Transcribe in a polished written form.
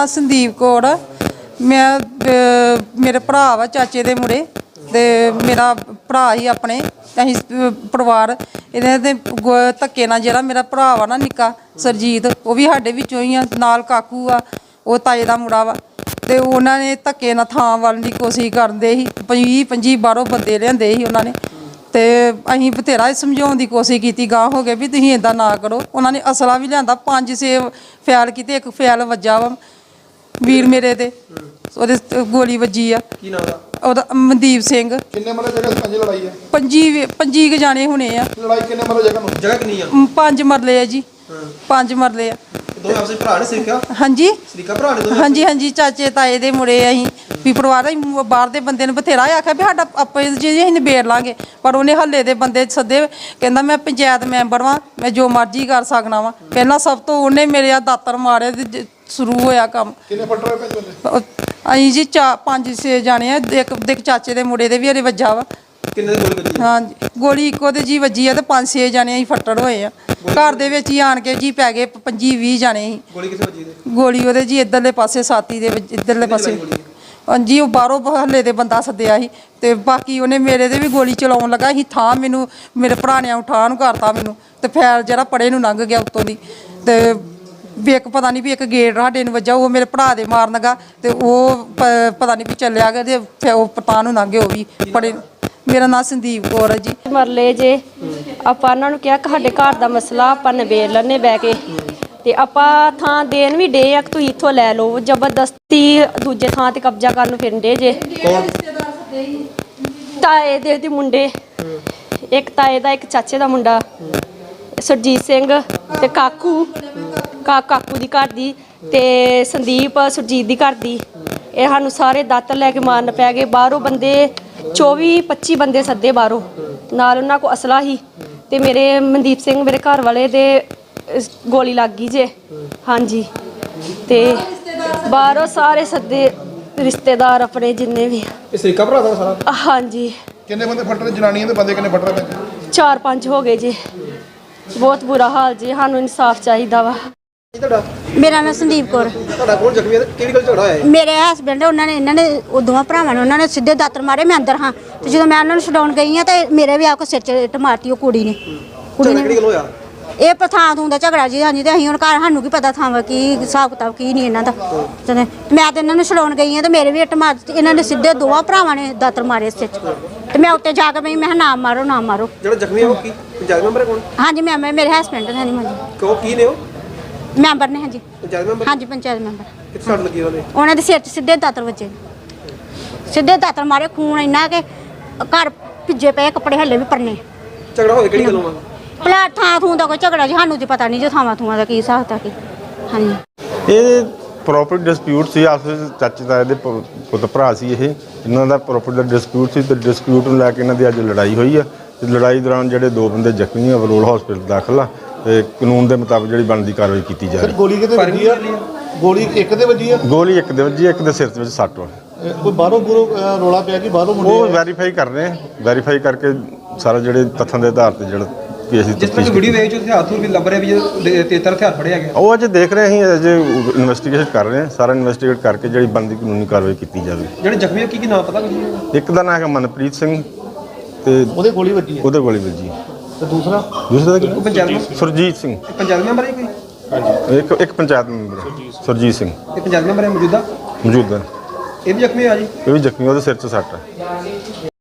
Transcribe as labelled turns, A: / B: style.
A: नाम संदीप कौर। मैं मेरे भरा वा चाचे दे मुड़े ते मेरा भरा ही अपने असीं परिवार इन्हें ते धक्के नाल जेह्ड़ा मेरा भरा वा ना निक्का सरजीत वो भी साडे विचों ही आ, नाल काकू आ वो ताए दा मुड़ा वा ते उन्हां ने धक्के नाल थां वल्ल दी कोशिश करदे ही 20-25 बाहरों बंदे लिआंदे ही उन्हां ने ते असीं बथेरा समझाउण दी कोशिश कीती गांह हो गए भी तुसीं इदां ना करो। उन्हां ने असला भी लिआंदा 5-6 फैल कीते एक फैल वज्जा वा वीर मेरे ते ਉਹਦੇ ਗੋਲੀ ਵੱਜੀ ਆ।
B: ਕੀ ਨਾਮ ਦਾ
A: ਉਹਦਾ ਮਨਦੀਪ ਸਿੰਘ।
B: ਕਿੰਨੇ ਮਰਲੇ ਜਗ੍ਹਾ ਪੰਜ ਲੜਾਈ ਹੈ?
A: 25 ਕੁ ਜਾਣੇ ਹੋਣੇ ਆ।
B: ਲੜਾਈ ਕਿੰਨੇ ਮਰਲੇ ਜਗ੍ਹਾ ਕਿੰਨੀ ਆ?
A: 5 ਮਰਲੇ ਆ ਜੀ। 5 ਮਰਲੇ ਆ।
B: ਦੋਵੇਂ ਆਪਸੇ ਭਰਾ ਨੇ ਸਰੀਕਾ?
A: ਹਾਂਜੀ
B: ਸਰੀਕਾ ਭਰਾ ਨੇ ਦੋਵੇਂ?
A: ਹਾਂਜੀ ਹਾਂਜੀ ਚਾਚੇ ਤਾਏ ਦੇ ਮੁੰਡੇ ਅਸੀਂ ਵੀ ਪਰਿਵਾਰ ਬਾਹਰ ਦੇ ਬੰਦੇ ਨੂੰ ਬਥੇਰਾ ਆਖਿਆ ਵੀ ਸਾਡਾ ਆਪੇ ਜੀ ਅਸੀਂ ਨਿਬੇੜ ਲਾਂਗੇ ਪਰ ਉਹਨੇ ਹੱਲੇ ਦੇ ਬੰਦੇ ਸੱਦੇ ਕਹਿੰਦਾ ਮੈਂ ਪੰਚਾਇਤ ਮੈਂਬਰ ਵਾਂ ਮੈਂ ਜੋ ਮਰਜ਼ੀ ਕਰ ਸਕਣਾ ਵਾਂ। ਪਹਿਲਾਂ ਸਭ ਤੋਂ ਉਹਨੇ ਮੇਰੇ ਆ ਦਾਤਰ ਮਾਰੇ ਤੇ ਸ਼ੁਰੂ ਹੋਇਆ ਕੰਮ।
B: ਕਿੰਨੇ ਫੱਟ ਹੋਏ ਪੈਂਦੇ?
A: ਅਸੀਂ ਜੀ 5-6 ਜਾਣੇ ਆ। ਇੱਕ ਚਾਚੇ ਦੇ ਮੁੰਡੇ ਦੇ ਵੀ ਹਰੇ ਵੱਜਾ ਵਾ।
B: ਕਿੰਨੇ ਗੋਲੀ ਵੱਜੀ?
A: ਹਾਂਜੀ ਗੋਲੀ ਇੱਕੋ ਤੇ ਜੀ ਵੱਜੀ ਆ ਤੇ 5-6 ਜਾਣੇ ਅਸੀਂ ਫੱਟੜ ਹੋਏ ਆ। ਘਰ ਦੇ ਵਿੱਚ ਹੀ ਆਣ ਕੇ ਜੀ ਪੈ ਗਏ 25-20 ਜਾਣੇ ਸੀ।
B: ਗੋਲੀ ਕਿੱਥੇ ਵੱਜੀ ਤੇ?
A: ਗੋਲੀ ਉਹਦੇ ਜੀ ਇੱਧਰਲੇ ਪਾਸੇ ਸਾਥੀ ਦੇ ਇੱਧਰਲੇ ਪਾਸੇ। ਹਾਂਜੀ ਉਹ ਬਾਹਰੋਂ ਹੱਲੇ ਦੇ ਬੰਦਾ ਸੱਦਿਆ ਸੀ ਤੇ ਬਾਕੀ ਉਹਨੇ ਮੇਰੇ ਤੇ ਵੀ ਗੋਲੀ ਚਲਾਉਣ ਲੱਗਾ ਸੀ। ਥਾਂ ਮੈਨੂੰ ਮੇਰੇ ਭਰਾ ਨੇ ਉਠਾ ਨੂੰ ਕਰਤਾ ਮੈਨੂੰ ਤੇ ਫੈਰ ਜਿਹੜਾ ਪੜੇ ਨੂੰ ਲੰਘ ਗਿਆ ਉੱਤੋਂ ਦੀ ਤੇ ਵੀ ਇੱਕ ਪਤਾ ਨਹੀਂ ਵੀ ਇੱਕ ਗੇਟ ਸਾਡੇ ਨੂੰ ਵੱਜਾ ਉਹ ਮੇਰੇ ਭਰਾ ਦੇ ਮਾਰਨ ਲੱਗਾ ਤੇ ਉਹ ਪਤਾ ਨਹੀਂ ਵੀ ਚੱਲਿਆ ਗਿਆ ਤੇ ਉਹ ਪਤਾ ਨੂੰ ਲੰਘ ਗਿਆ ਉਹ ਵੀ ਪੜੇ। ਮੇਰਾ ਨਾਮ ਸੰਦੀਪ ਕੌਰ ਹੈ ਜੀ।
C: ਮਰਲੇ ਜੇ ਆਪਾਂ ਉਹਨਾਂ ਨੂੰ ਕਿਹਾ ਕਿ ਸਾਡੇ ਘਰ ਦਾ ਮਸਲਾ ਆਪਾਂ ਨਿਬੇੜ ਲੈਣੇ ਬਹਿ ਕੇ ਤੇ ਆਪਾਂ ਥਾਂ ਦੇਣ ਵੀ ਡੇ ਆ ਕਿ ਤੁਸੀਂ ਇੱਥੋਂ ਲੈ ਲਓ। ਜ਼ਬਰਦਸਤੀ ਦੂਜੇ ਥਾਂ ਤੇ ਕਬਜ਼ਾ ਕਰਨ ਨੂੰ ਫਿਰਦੇ ਜੇ। ਤਾਏ ਦੇ ਮੁੰਡੇ ਇੱਕ ਤਾਏ ਦਾ ਇੱਕ ਚਾਚੇ ਦਾ ਮੁੰਡਾ ਸਰਜੀਤ ਸਿੰਘ ਤੇ ਕਾਕੂ ਦੀ ਘਰ ਦੀ ਤੇ ਸੰਦੀਪ ਸੁਰਜੀਤ ਦੀ ਘਰ ਦੀ। ਇਹ ਸਾਨੂੰ ਸਾਰੇ ਦਾਤਰ ਲੈ ਕੇ ਮਾਰਨ ਪੈ ਗਏ। ਬਾਹਰੋਂ ਬੰਦੇ 24-25 ਬੰਦੇ ਸੱਦੇ ਬਾਹਰੋਂ ਨਾਲ ਉਹਨਾਂ ਕੋਲ ਅਸਲਾ ਹੀ ਤੇ ਮੇਰੇ ਮਨਦੀਪ ਸਿੰਘ ਮੇਰੇ ਘਰ ਵਾਲੇ ਦੇ ਗੋਲੀ ਲੱਗ ਗਈ ਜੇ। ਹਾਂਜੀ ਤੇ ਬਾਹਰੋਂ ਸਾਰੇ ਸੱਦੇ ਰਿਸ਼ਤੇਦਾਰ ਆਪਣੇ ਜਿੰਨੇ ਵੀ।
B: ਇਹ ਸਰੀਕਾ ਭਰਾ ਦਾ ਸਾਰਾ?
C: ਹਾਂਜੀ।
B: ਕਿੰਨੇ ਬੰਦੇ ਫੱਟ ਰਹੇ? ਜਨਾਨੀਆਂ ਦੇ ਬੰਦੇ ਕਿੰਨੇ ਫੱਟ ਰਹੇ?
C: 4-5 ਹੋ ਗਏ ਜੀ। ਬਹੁਤ ਬੁਰਾ ਹਾਲ ਜੀ। ਸਾਨੂੰ ਇਨਸਾਫ ਚਾਹੀਦਾ ਵਾ।
D: ਮੇਰਾ ਨਾਮ ਸੰਦੀਪ ਕੌਰ।
B: ਤੁਹਾਡਾ ਕੌਣ ਜ਼ਖਮੀ ਹੈ? ਕਿਹੜੀ ਗੱਲ ਝਗੜਾ ਹੋਇਆ ਹੈ?
D: ਮੇਰੇ ਹਸਬੈਂਡ ਇਹਨਾਂ ਨੇ ਉਹ ਦੋਵਾਂ ਭਰਾਵਾਂ ਨੇ ਉਹਨਾਂ ਨੇ ਸਿੱਧੇ ਦਾਤਰ ਮਾਰੇ। ਮੈਂ ਅੰਦਰ ਹਾਂ ਤੇ ਜਦੋਂ ਮੈਂ ਉਹਨਾਂ ਨੂੰ ਛਡਾਉਣ ਗਈ ਹਾਂ ਤੇ ਮੇਰੇ ਵੀ ਆ ਕੇ ਸਿਰ 'ਚ ਇੱਟ ਮਾਰਤੀ ਉਹ ਕੁੜੀ ਨੇ।
B: ਕਿਹੜੀ ਗੱਲ ਹੋਇਆ?
D: ਇਹ ਥਾਂ ਥੂੰ ਦਾ ਝਗੜਾ ਜੀ। ਹਾਂਜੀ ਤੇ ਅਸੀਂ ਹੁਣ ਘਰ ਸਾਨੂੰ ਕੀ ਪਤਾ ਥਾਂ ਕੀ ਹਿਸਾਬ ਕਿਤਾਬ ਕੀ ਨਹੀਂ ਇਹਨਾਂ ਦਾ। ਤੇ ਮੈਂ ਤੇ ਇਹਨਾਂ ਨੂੰ ਛਡਾਉਣ ਗਈ ਹਾਂ ਤੇ ਮੇਰੇ ਵੀ ਇੱਟ ਮਾਰ ਦਿੱਤੀ। ਇਹਨਾਂ ਨੇ ਸਿੱਧੇ ਦੋਵਾਂ ਭਰਾਵਾਂ ਨੇ ਦਾਤਰ ਮਾਰੇ ਸਿਰ 'ਚ ਤੇ ਮੈਂ ਉੱਤੇ ਜਾ ਕੇ ਮੈਂ ਕਿਹਾ ਨਾ ਮਾਰੋ ਨਾ ਮਾਰੋ।
B: ਜਿਹੜਾ ਜ਼ਖਮੀ ਹੈ ਉਹ ਕੀ ਪੰਚਾਇਤ ਮੈਂਬਰ ਹੈ? ਕੌਣ?
D: ਹਾਂਜੀ ਮੇਰੇ ਹਸਬੈਂਡ ਨੇ। ਹਾਂਜੀ
B: ਕਿਉਂ ਕੀ ਨੇ ਉਹ?
D: ਮੈਂਬਰ ਨੇ। ਹਾਂਜੀ
B: ਪੰਚਾਇਤ ਮੈਂਬਰ?
D: ਹਾਂਜੀ ਪੰਚਾਇਤ ਮੈਂਬਰ।
B: ਕਿੱਥੇ ਸੱਟ ਲੱਗੀ ਉਹਨੇ?
D: ਉਹਨਾਂ ਦੇ ਸਿਰ 'ਚ ਸਿੱਧੇ ਦਾਤਰ ਵੱਜੇ। ਸਿੱਧੇ ਦਾਤਰ ਮਾਰੇ ਖੂਨ ਇੰਨਾ ਕਿ ਘਰ ਭਿੱਜੇ ਪਏ ਕੱਪੜੇ ਹੱਲੇ ਵੀ ਪਰਨੇ।
B: ਝਗੜਾ ਹੋਇਆ ਕਿਹੜੀ ਗੱਲੋਂ ਆ?
D: ਭਲਾ ਥਾਂ ਥੂੰ ਦਾ ਕੋਈ ਝਗੜਾ ਜੀ ਸਾਨੂੰ ਤੇ ਪਤਾ ਨਹੀਂ ਜੋ ਥਾਵਾਂ ਥੂਆਂ ਦਾ ਕੀ ਹਿਸਾਬ ਤਾ ਕੀ। ਹਾਂਜੀ
E: ਇਹ ਪ੍ਰੋਪਰਟੀ ਡਿਸਪਿਊਟ ਸੀ ਆਪਸ ਵਿੱਚ। ਚਾਚੇ ਤਾਏ ਦੇ ਪੁੱਤ ਭਰਾ ਸੀ ਇਹ। ਇਹਨਾਂ ਦਾ ਪ੍ਰੋਪਰਟੀ ਦਾ ਡਿਸਪਿਊਟ ਸੀ ਤੇ ਡਿਸਪਿਊਟ ਨੂੰ ਲੈ ਕੇ ਇਹਨਾਂ ਦੀ ਅੱਜ ਲੜਾਈ ਹੋਈ ਆ ਤੇ ਲੜਾਈ ਦੌਰਾਨ ਜਿਹੜੇ 2 ਬੰਦੇ ਜ਼ਖਮੀ ਆ ਬਲੋਲ ਹਸਪੀਟਲ ਦਾਖਲ ਆ ਤੇ ਕਾਨੂੰਨ ਦੇ ਮੁਤਾਬਕ ਜਿਹੜੀ ਬਣਦੀ ਕਾਰਵਾਈ ਕੀਤੀ ਜਾ ਰਹੀ।
B: ਗੋਲੀ ਕਿਤੇ ਵੱਜੀ ਆ? ਗੋਲੀ ਇੱਕ ਦੇ ਵੱਜੀ ਆ?
E: ਗੋਲੀ ਇੱਕ ਦੇ ਵੱਜੀ, ਇੱਕ ਦੇ ਸਿਰ ਵਿੱਚ ਸੱਟ ਵਾ।
B: ਕੋਈ ਬਾਹਰੋਂ ਰੋਲਾ ਪਿਆ ਕਿ ਬਾਹਰੋਂ ਮੁੰਡੇ?
E: ਉਹ ਵੈਰੀਫਾਈ ਕਰ ਰਹੇ ਆ। ਵੈਰੀਫਾਈ ਕਰਕੇ ਸਾਰਾ ਜਿਹੜੇ ਤੱਥਾਂ ਦੇ ਆਧਾਰ ਤੇ ਜਿਹੜਾ ਵੀ ਅਸੀਂ
B: ਜਿਸ ਤਰ੍ਹਾਂ ਵੀਡੀਓ ਵੇਚ ਉੱਥੇ ਹੱਥ ਵੀ ਲੱਭ ਰਿਹਾ ਵੀ 73 ਹਥਿਆਰ ਫੜਿਆ ਗਿਆ।
E: ਉਹ ਅਜੇ ਦੇਖ ਰਹੇ ਅਸੀਂ ਅਜੇ ਇਨਵੈਸਟੀਗੇਸ਼ਨ ਕਰ ਰਹੇ ਹਾਂ। ਸਾਰਾ ਇਨਵੈਸਟੀਗੇਟ ਕਰਕੇ ਜਿਹੜੀ ਬਣਦੀ ਕਾਨੂੰਨੀ ਕਾਰਵਾਈ ਕੀਤੀ ਜਾਵੇ।
B: ਜਿਹੜੇ ਜ਼ਖਮੀ ਕੀ ਨਾਮ ਪਤਾ ਕੁਝ? ਇੱਕ
E: ਦਾ ਨਾਮ ਹੈਗਾ ਮਨਪ੍ਰੀਤ ਸਿੰਘ ਤੇ
B: ਉਹਦੇ ਗੋਲੀ ਵੱਜੀ ਹੈ?
E: ਉਹਦੇ ਗੋਲੀ ਵੱਜੀ।
B: ਤੇ ਦੂਸਰਾ
E: ਦਾ ਕੀ?
B: ਪੰਚਾਇਤ
E: ਸੁਰਜੀਤ ਸਿੰਘ।
B: ਪੰਚਾਇਤ ਮੈਂਬਰ ਹੈ ਕੋਈ?
E: ਹਾਂਜੀ ਇੱਕ ਪੰਚਾਇਤ ਮੈਂਬਰ ਸੁਰਜੀਤ ਸਿੰਘ।
B: ਇਹ ਪੰਚਾਇਤ ਮੈਂਬਰ ਹੈ ਮੌਜੂਦਾ?
E: ਮੌਜੂਦਾ।
B: ਇਹ ਵੀ ਜ਼ਖਮੀ ਆ ਜੀ?
E: ਇਹ ਵੀ ਜ਼ਖਮੀ, ਉਹਦੇ ਸਿਰ 'ਚ ਸੱਟ ਹੈ।